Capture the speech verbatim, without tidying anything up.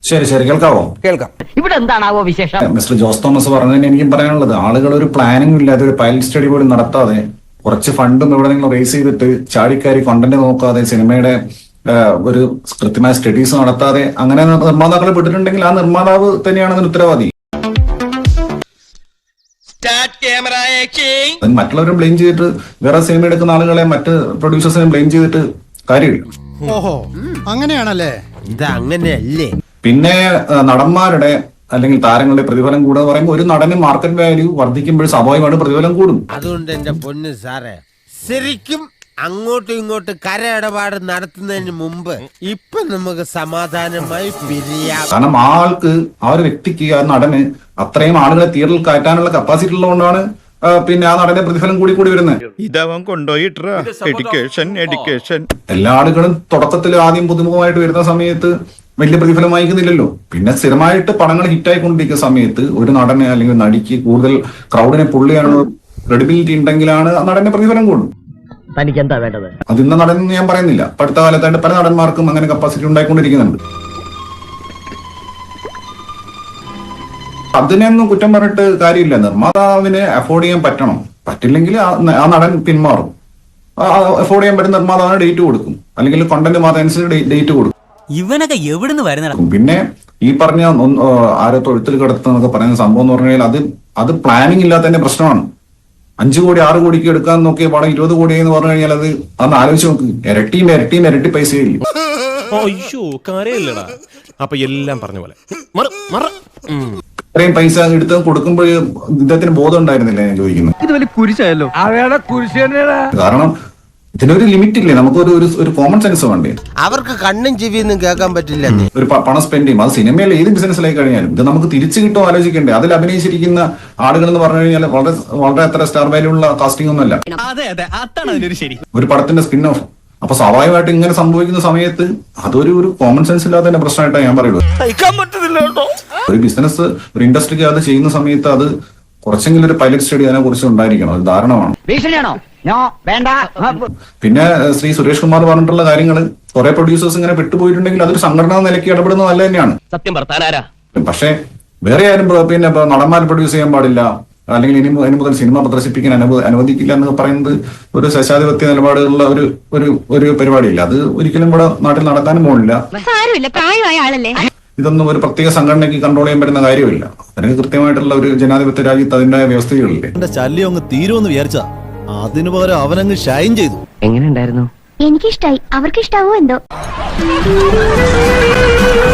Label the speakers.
Speaker 1: ശരി ശരി കേൾക്കാവോ?
Speaker 2: കേൾക്കാം.
Speaker 3: ഇവിടെ എന്താണാവോ വിശേഷം?
Speaker 1: മിസ്റ്റർ ജോസ് തോമസ് പറഞ്ഞതിന് എനിക്കും പറയാനുള്ളത്, ആളുകൾ ഒരു പ്ലാനിംഗ് ഇല്ലാതെ ഒരു പൈലറ്റ് സ്റ്റഡി പോലും നടത്താതെ കുറച്ച് ഫണ്ടും ഇവിടെ നിങ്ങൾ റേസ് ചെയ്തിട്ട് ചാടിക്കാരി കണ്ടന്റ് നോക്കാതെ സിനിമയുടെ ഒരു കൃത്യമായ സ്റ്റഡീസ് നടത്താതെ അങ്ങനെ നിർമ്മാതാക്കളെ വിട്ടിട്ടുണ്ടെങ്കിൽ ആ നിർമ്മാതാവ് തന്നെയാണ് അതിന് ഉത്തരവാദി. മറ്റുള്ളവരും ബ്ലെയിം ചെയ്തിട്ട് വേറെ സിനിമ എടുക്കുന്ന ആളുകളെ മറ്റ് പ്രൊഡ്യൂസേഴ്സിനെ ബ്ലെയിം ചെയ്തിട്ട് കാര്യമില്ല.
Speaker 4: ഓഹോ അങ്ങനെയാണല്ലേ?
Speaker 2: ഇത് അങ്ങനെയല്ലേ?
Speaker 1: പിന്നെ നടന്മാരുടെ അല്ലെങ്കിൽ താരങ്ങളുടെ പ്രതിഫലം കൂടുക പറയുമ്പോൾ ഒരു നടന് മാർക്കറ്റ് വാല്യൂ വർദ്ധിക്കുമ്പോൾ സ്വാഭാവികമായിട്ട് പ്രതിഫലം കൂടും.
Speaker 2: അതുകൊണ്ട് എന്റെ പൊന്ന് സാറേ, ശരിക്കും അങ്ങോട്ടും ഇങ്ങോട്ടും കര ഇടപാട് നടത്തുന്നതിന് മുമ്പ് ഇപ്പൊ നമുക്ക് സമാധാനമായി പിരിയാം.
Speaker 1: കാരണം ആ ആൾക്ക്, ആ ഒരു വ്യക്തിക്ക്, ആ നടന് അത്രയും ആളുകളെ തിയേറ്ററിൽ കയറ്റാനുള്ള കപ്പാസിറ്റി ഉള്ളതുകൊണ്ടാണ് പിന്നെ ആ നടന്റെ പ്രതിഫലം കൂടി കൂടി വരുന്നത്.
Speaker 5: ഇതവൻ കൊണ്ടുപോയിട്ടാ എഡ്യൂക്കേഷൻ എഡ്യൂക്കേഷൻ
Speaker 1: എല്ലാ ആളുകളും തുടക്കത്തിൽ ആദ്യം പുതുമുഖമായിട്ട് വരുന്ന സമയത്ത് വലിയ പ്രതിഫലം വാങ്ങിക്കുന്നില്ലല്ലോ. പിന്നെ സ്ഥിരമായിട്ട് പടങ്ങൾ ഹിറ്റായിക്കൊണ്ടിരിക്കുന്ന സമയത്ത് ഒരു നടനെ അല്ലെങ്കിൽ നടിക്ക് കൂടുതൽ ക്രൗഡിനെ പുള്ള് ചെയ്യാനുള്ള ക്രെഡിബിലിറ്റി ഉണ്ടെങ്കിലാണ് ആ നടന്റെ പ്രതിഫലം കൂടും.
Speaker 3: തനിക്ക് എന്താ വേണ്ടത്?
Speaker 1: അത് ഇന്ന നടൻ ഞാൻ പറയുന്നില്ല, അടുത്ത കാലത്തായിട്ട് പല നടന്മാർക്കും അങ്ങനെ കപ്പാസിറ്റി ഉണ്ടായിക്കൊണ്ടിരിക്കുന്നുണ്ട്. അതിനൊന്നും കുറ്റം പറഞ്ഞിട്ട് കാര്യമില്ല. നിർമ്മാതാവിന് അഫോർഡ് ചെയ്യാൻ പറ്റണം. പറ്റില്ലെങ്കിൽ ആ നടൻ പിന്മാറും. അഫോർഡ് ചെയ്യാൻ പറ്റുന്ന നിർമ്മാതാവിന് ഡേറ്റ് കൊടുക്കും, അല്ലെങ്കിൽ കണ്ടന്റ് മാത്രം അനുസരിച്ച് ഡേറ്റ് കൊടുക്കും.
Speaker 6: ഇവനൊക്കെ എവിടുന്ന് വരുന്ന?
Speaker 1: പിന്നെ ഈ പറഞ്ഞ ആരോ തൊഴുത്തിൽ കിടത്തുന്നൊക്കെ പറയുന്ന സംഭവം എന്ന് പറഞ്ഞു കഴിഞ്ഞാൽ അത് അത് പ്ലാനിങ് ഇല്ലാത്തതിന്റെ പ്രശ്നമാണ്. അഞ്ചു കോടി ആറ് കോടിക്ക് എടുക്കാൻ നോക്കിയ പടം ഇരുപത് കോടി എന്ന് പറഞ്ഞു കഴിഞ്ഞാൽ അത് അന്ന് ആലോചിച്ച് നോക്ക്. ഇരട്ടിയും ഇരട്ടിയും ഇരട്ടി പൈസയില്ല.
Speaker 7: അപ്പൊ എല്ലാം പറഞ്ഞ പോലെ
Speaker 1: ഇത്രയും പൈസ എടുത്ത് കൊടുക്കുമ്പോൾ ഇദ്ദേഹത്തിന് ബോധം ഉണ്ടായിരുന്നില്ല ഞാൻ ചോദിക്കുന്നത്.
Speaker 3: ഇത് വലിയ കുരിശായല്ലോ.
Speaker 1: കാരണം ഇതിനൊരു ലിമിറ്റ് ഇല്ലേ? നമുക്ക് ഒരു ഒരു കോമൺ സെൻസ് വേണ്ടേ?
Speaker 2: അവർക്ക് കണ്ണും ചെവിയൊന്നും കേൾക്കാൻ പറ്റില്ല.
Speaker 1: ഒരു പണം സ്പെൻഡ് ചെയ്യും. അത് സിനിമയിൽ ഏത് ബിസിനസ്സിലായി കഴിഞ്ഞാലും ഇത് നമുക്ക് തിരിച്ചു കിട്ടുമോ ആലോചിക്കണ്ടേ? അതിൽ അഭിനയിച്ചിരിക്കുന്ന ആളുകൾ എന്ന് പറഞ്ഞു കഴിഞ്ഞാൽ വളരെ വളരെ അത്ര സ്റ്റാർ വാല്യൂ ഉള്ള കാസ്റ്റിംഗ് ഒന്നുമല്ല. ഒരു പടത്തിന്റെ സ്പിൻ ഓഫ്. അപ്പൊ സ്വാഭാവികമായിട്ട് ഇങ്ങനെ സംഭവിക്കുന്ന സമയത്ത് അതൊരു ഒരു കോമൺ സെൻസ് ഇല്ലാത്തതിന്റെ പ്രശ്നമായിട്ടാണ് ഞാൻ പറയുള്ളൂ. ഒരു ബിസിനസ്, ഒരു ഇൻഡസ്ട്രിക്ക് അത് ചെയ്യുന്ന സമയത്ത് അത് കുറച്ചെങ്കിലും ഒരു പൈലറ്റ് സ്റ്റഡി അതിനെ കുറിച്ച് ഉണ്ടായിരിക്കണം. അത് ധാരണമാണ്. പിന്നെ ശ്രീ സുരേഷ് കുമാർ പറഞ്ഞിട്ടുള്ള കാര്യങ്ങൾ കുറെ പ്രൊഡ്യൂസേഴ്സ് ഇങ്ങനെ പെട്ടുപോയിട്ടുണ്ടെങ്കിൽ അതൊരു സംഘടനാ നിലയ്ക്ക് ഇടപെടുന്നത് നല്ല തന്നെയാണ്.
Speaker 3: സത്യം പറഞ്ഞാരാ?
Speaker 1: പക്ഷെ വേറെ ആരും പിന്നെ നടന്മാർ പ്രൊഡ്യൂസ് ചെയ്യാൻ പാടില്ല, അല്ലെങ്കിൽ ഇനി ഇനി മുതൽ സിനിമ പ്രദർശിപ്പിക്കാൻ അനുവ അനുവദിക്കില്ല എന്ന് പറയുന്നത് ഒരു ശേഷാധിപത്യ നിലപാടുള്ള ഒരു ഒരു ഒരു പരിപാടിയില്ല. അത് ഒരിക്കലും ഇവിടെ നാട്ടിൽ നടത്താനും പോകില്ല. ഇതൊന്നും ഒരു പ്രത്യേക സംഘടനയ്ക്ക് കൺട്രോൾ ചെയ്യാൻ പറ്റുന്ന കാര്യമില്ല. അതിന് കൃത്യമായിട്ടുള്ള ഒരു ജനാധിപത്യ രാജ്യത്ത് അതിന്റെ വ്യവസ്ഥകളില്ലേ.
Speaker 4: എന്റെ ശല്യം അങ്ങ് തീരുമെന്ന് വിചാരിച്ചാ അതിനു പകരം അവനങ്ങ് ഷൈൻ ചെയ്തു.
Speaker 3: എങ്ങനെ ഉണ്ടായിരുന്നു?
Speaker 8: എനിക്കിഷ്ടായി. അവർക്ക് ഇഷ്ടാവോ എന്തോ.